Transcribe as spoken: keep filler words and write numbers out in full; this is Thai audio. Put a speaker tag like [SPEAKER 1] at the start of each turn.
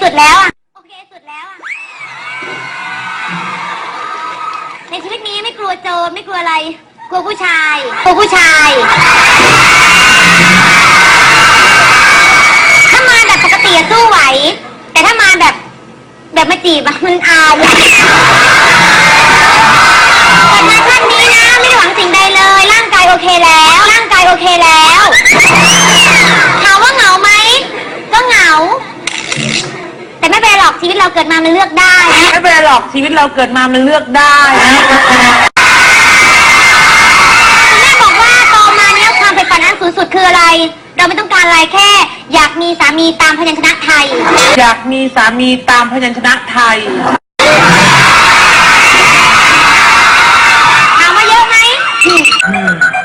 [SPEAKER 1] สุดแล้วอ่ะโอเคสุดแล้วอ่ะในชีวิตนี้ไม่กลัวโจรไม่กลัวอะไรกลัวผู้ชายกลัวผู้ชายถ้ามาแบบปกติสู้ไหวแต่ถ้ามาแบบแบบมาจีบอะมันอายอะแต่มาท่านนี้นะไม่ได้หวังสิ่งใดเลยร่างกายโอเคแล้วร่างกายโอเคแล้วถามว่าเหงาไหมก็เหงาแต่ไม่เป็นไรหรอกชีวิตเราเกิดมามันเลือกได้
[SPEAKER 2] ไม่เป็นไรหรอกชีวิตเราเกิดมามันเลือกได้
[SPEAKER 1] แม่บอกว่าโตมาเนี้ยความใฝ่ฝันอันสูงสุดคืออะไรเราไม่ต้องการอะไรแค่อยากมีสามีตามพยัญชนะไทย
[SPEAKER 2] อยากมีสามีตามพยัญชนะไทย
[SPEAKER 1] ถามว่าเยอะไหม